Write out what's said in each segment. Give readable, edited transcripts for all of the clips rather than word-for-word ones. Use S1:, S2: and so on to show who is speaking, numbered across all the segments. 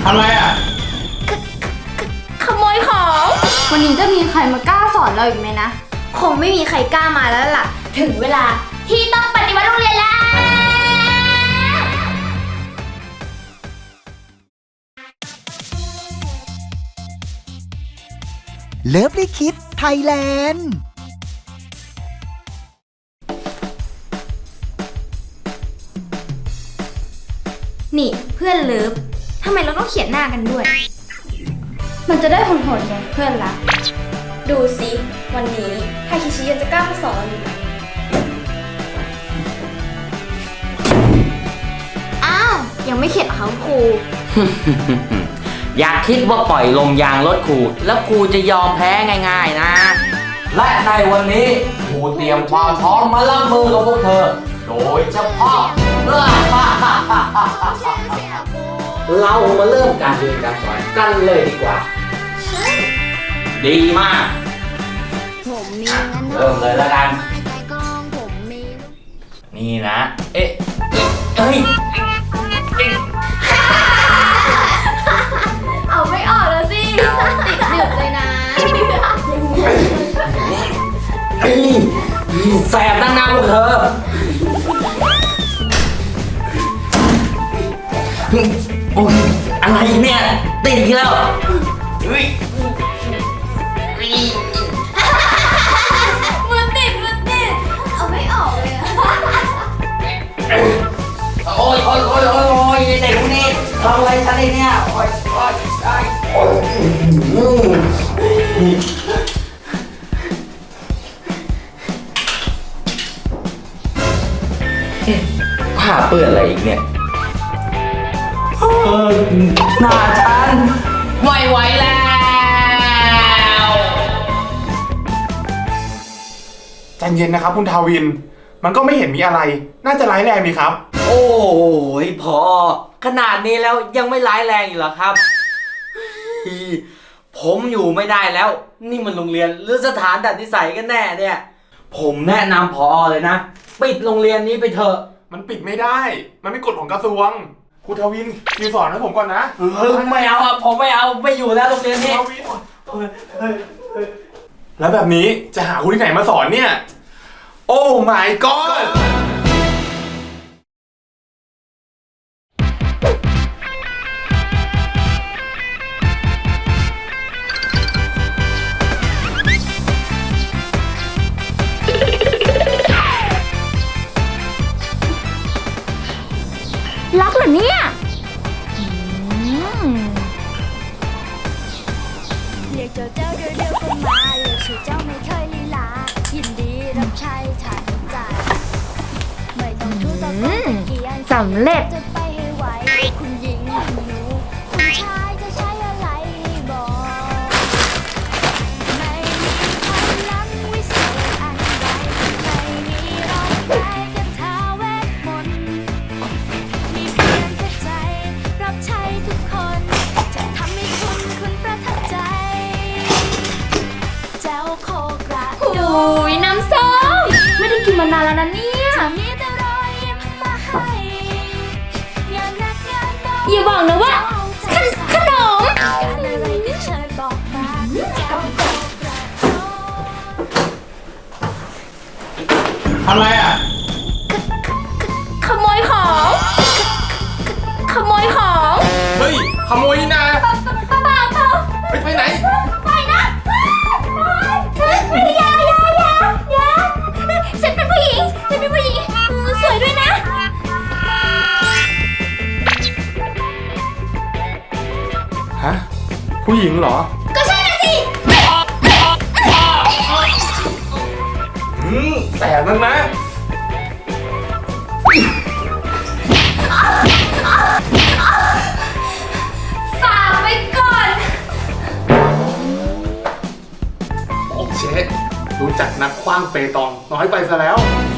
S1: ทำไรอ่ะ
S2: ขโมยของวันนี้จะมีใครมากล้าสอนเราอีกไหมนะคงไม่มีใครกล้ามาแล้วล่ะถึงเวลาที่ต้องปฏิวัติโรงเรียนแล้ว
S3: เลิฟลี่คิดไทยแลนด์
S2: นี่เพื่อนเลิฟทำไมเราต้องเขียนหน้ากันด้วยมันจะได้โหดๆไงเพื่อนรักดูสิวันนี้ไทคิชิยังจะกล้ามาสอนเราอยู่ไหมอ้าวยังไม่เข็ดเหรอคะครู
S4: อย่าคิดว่าปล่อยลมยางรถครูแล้วครูจะยอมแพ้ง่ายๆนะ และในวันนี้ครูเตรียมความพร้อมมารับมือกับพวกเธอ โดยเฉพาะ เรามาเริ่มการเรียนการสอนกันเลยดีกว่า ดีมากเริ่มเลยแล้วกัน นี่นะ เอ๊ะเอ้ย
S2: เอาไม่ออกแล้วสิติดเดือดเลยนะ
S4: แสบตั้งนานพวกเธอโอ้ยอะไรเนี่ยติดอีกแล้ว
S2: มือติดเอาไม่ออกเลยอะ
S4: โอ้ยเด็กพวกนี้ทำอะไรฉันเนี่ยโอ้ยผ้าเปื้อนอะไรอีกเนี่ยหน้าฉันไม่ไหวแล้ว
S1: ใจเย็นนะครับคุณทาวินมันก็ไม่เห็นมีอะไรน่าจะร้ายแรงดีครับ
S4: โอ้ยพอขนาดนี้แล้วยังไม่ร้ายแรงอีกเหรอครับผมอยู่ไม่ได้แล้วนี่มันโรงเรียนหรือสถานดัดนิสัยกันแน่เนี่ยผมแนะนำผอเลยนะปิดโรงเรียนนี้ไปเถอะ
S1: มันปิดไม่ได้มันไม่กฎของกระทรวงคุณทาวินอยู่สอนให้ผมก่อนนะ
S4: ไม่เอาอ่ะผมไม่เอาไม่อยู่แล้วโรงเรียนนี้
S1: แล้วแบบนี้จะหาคุณที่ไหนมาสอนเนี่ยโอ้ my god
S2: รักเหรอเนี่ย
S5: เรียกเจ้าเร็วๆก็มาเรียกชื่อเจ้าไม่เคยลีลายินดีรับใช้ทันใจไม่ต้องทูตะโกนตะเกียง
S2: สำเร็จ
S5: จะไปให้ไหวคุณหญิงคุณหนูคุณชายจะใช้อะไรบอกไม่มีพลังวิเศษอันใดไม่มีรอยแผลกระทาเวทมนต์มีเพียงแค่ใจรับใช้ทุกคนจะทำให้คุณประทับใจเจ้าโคกระโด
S2: โอ้ยน้ำส้มไม่ได้กินมานานแล้วนะเนี่ย
S5: มีแต่รอยยิ้มมาให้งานหนักงานเบา
S2: อย่าบอกนะว่าขนม
S5: การอะไรก็เชิญบอกมาเจ้าโคกระโด
S1: ทำไรอ่ะ
S2: ขโมยของขโมยของ
S1: เฮ้ยขโมยนี่นะไปไหน
S2: ไปนะอย่าฉันเป็นผู้หญิงสวยด้วยนะ
S1: ฮะผู้หญิงเหรอ
S2: ก็ใช่นะสิ
S1: แสบนักนะ
S2: ฝากไว้ก่อน
S1: โอเครู้จักนักขว้างเปตองน้อยไปซะแล้ว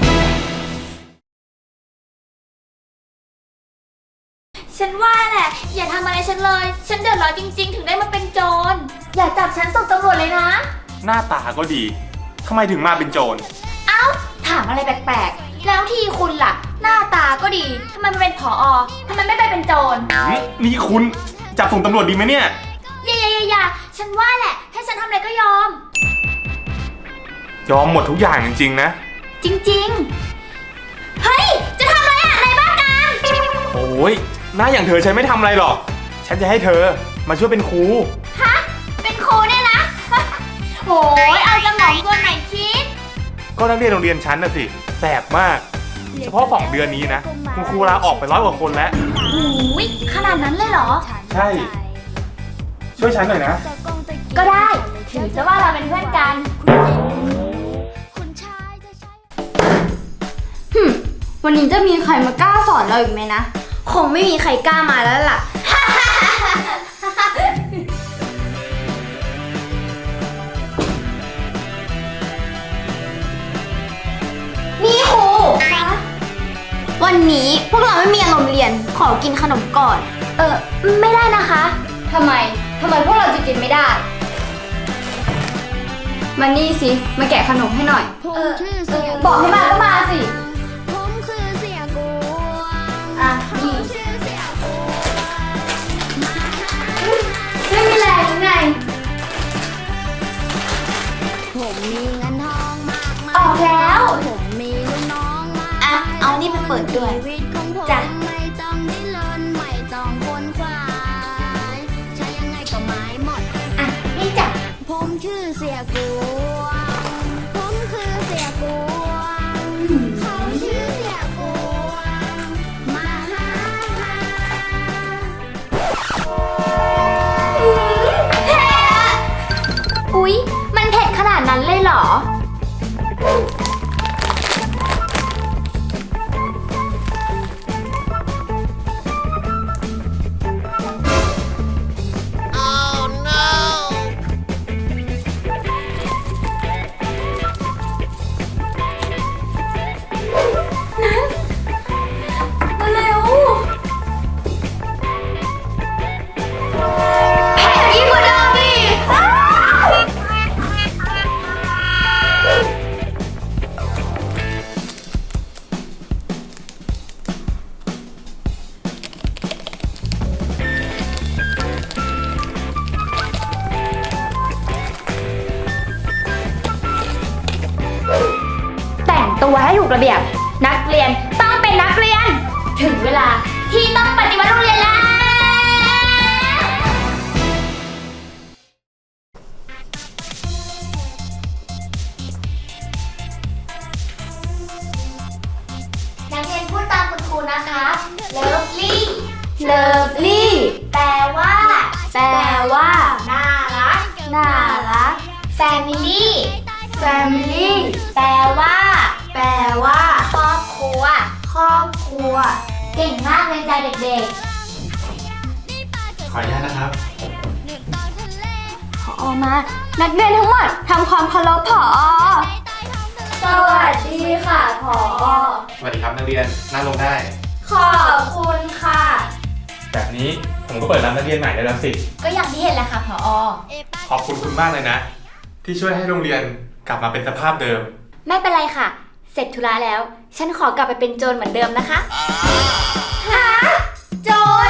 S2: ฉันว่าแหละอย่าทำอะไรฉันเลยฉันเดือดร้อนจริงๆถึงได้มาเป็นโจรอย่าจับฉันส่งตำรวจเลยนะ
S1: หน้าตาก็ดีทำไมถึงมาเป็นโจร
S2: เอ้าถามอะไรแปลกๆแล้วที่คุณล่ะหน้าตาก็ดีทำไมมาเป็นผอ.ทำไมไม่ไปเป็นโจร
S1: นี่คุณจับส่งตำรวจดีไหมเนี่ย
S2: อย่าฉันว่าแหละ ให้ฉันทำอะไรก็ยอม
S1: ยอมหมดทุกอย่างจริงๆนะ
S2: จริงๆ เฮ้ย จะทำอะไรอ่ะในบ้านกลาง
S1: โอ้ยหน้าอย่างเธอฉันไม่ทำอะไรหรอก ฉันจะให้เธอมาช่วยเป็นครู
S2: ฮะ เป็นครูเนี่ยนะ โหยเอาสมองตัวไหนคิด
S1: ก็นักเรียนโรงเรียนฉันน่ะสิแสบมาก เฉพาะ2 เดือนนี้นะคุณครูลาออกไป100 กว่าคนแล้ว
S2: โอ้ยขนาดนั้นเลยเหรอ
S1: ใช่ ช่วยฉันหน่อยนะ
S2: ก็ได้ ถือซะว่าเราเป็นเพื่อนกัน
S5: คุณชายจะใช้
S2: วันนี้จะมีใครมากล้าสอนเราอีกไหมนะ คงไม่มีใครกล้ามาแล้วล่ะ นี่ครูวันนี้พวกเราไม่มีอารมณ์เรียน ขอกินขนมก่อน ไม่ได้นะคะ ทำไมพวกเราจะกินไม่ได้ มานี่สิ มาแกะขนมให้หน่อย บอกให้มาก็มาสิ
S5: ผมคือเสียกวง
S2: อ่ะ นี่
S5: ชื่อเสียกวง
S2: ไม่มีแรงหรือไง
S5: ผมมีเงินทองมากมาย
S2: ออกแล้ว
S5: ผมมีลูกน้องมาก
S2: อ่ะ เอานี่ไปเปิดด้วย
S5: ชีวิตของผม
S2: จ้ะ
S5: ไม่ต้องดิ้นรนไม่ต้องคนควายใช้ยังไงก็หมายหมด
S2: อ่ะ นี่จ้ะ
S5: ผมชื่อเสียกวง ผมคือเสียกวง เขาชื่อเสียกวง มาหา
S2: เผ็ดอุ๊ย มันเผ็ดขนาดนั้นเลยเหรอ เร็วแผ่ยิ่งกว่าเดิมอีกอ้าว แต่งตัวให้ถูกระเบียบ นักเรียนต้องเป็นนักเรียน ถึงเวลาที่ต้องปฏิวัติโรงเรียนแล้ว นักเรียนพูดตามคุณครูนะคะ lovely lovely แปลว่า น่ารัก family family แปลว่า ครอบครัว เก่งมากเลยจ้ะเด็ก
S1: ขออนุญาตนะครับ
S2: ๆ ผอมา นักเรียนทั้งหมดทำความเคารพผอ สวัสดีค่ะผอ
S1: สวัสดีครับนักเรียนนั่งลงได้
S2: ขอบคุณค่ะ
S1: แบบนี้ผมก็เปิดรับนักเรียนใหม่ได้แล้วสิ
S2: ก็อย่างที่เห็นแหละค่ะผอ
S1: ขอบคุณคุณมากเลยนะ ที่ช่วยให้โรงเรียนกลับมาเป็นสภาพเดิม
S2: ไม่เป็นไรค่ะ เสร็จธุระแล้ว ฉันขอกลับไปเป็นโจรเหมือนเดิมนะคะฮะโจร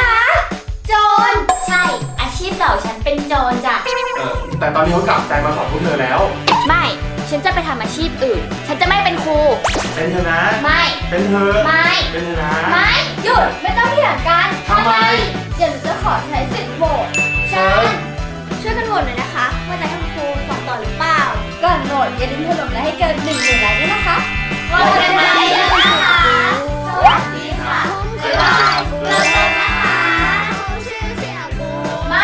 S2: ใช่ อาชีพเก่าฉันเป็นโจรจ้ะ
S1: แต่ตอนนี้เขากลับใจมาขอบคุณเธอแล้ว
S2: ไม่ ฉันจะไปทำอาชีพอื่น ฉันจะไม่เป็นครู
S1: เป็นเธอนะ
S2: ไม่
S1: เป็นเธอ
S2: ไม่
S1: เป็นเธอนะ
S2: ไม่ หยุด ไม่ต้องเถียงกัน
S1: ทำไม
S2: เดี๋ยวหนูจะขอใช้สิทธิ์โหวตช่วยกันโหวตหน่อยนะคะ ว่าจะให้คุณครูสอนต่อหรือเปล่า ก่อนโหวตอย่าลืมถล่มและให้เกิน1,000,000 ไลค์ด้วยนะคะโหวตกันมาเยอะๆนะคะสวัสดีค่ะบ๊ายบายเลิกเลยนะคะ
S5: เขาชื่อเสียกวง
S2: ไม่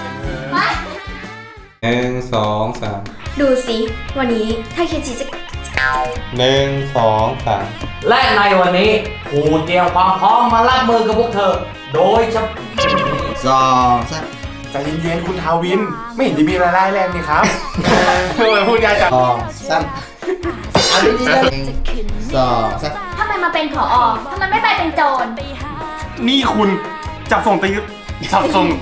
S6: 1 2 3
S2: ดูสิ วันนี้ถ้าเคจีจะ
S6: 1 2 3
S4: และในวันนี้ครูเตรียมความพร้อมมารับมือกับพวกเธอ โดยเฉพาะ
S3: 2 3
S1: ใจเย็นๆคุณทาวิน ไม่เห็นจะมีอะไรร้ายแรงนี่ครับทำไมพูดยากจัง
S3: 2 3เอาดีๆเลย2 3
S2: ทำไมมาเป็นผอทำไมไม่ไปเป็นโจร
S1: นี่คุณจับส่งตีจับส่ง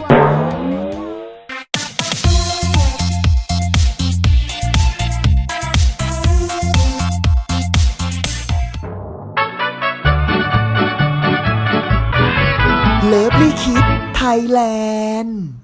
S3: เลิฟลี่คิดไท
S7: ยแลนด์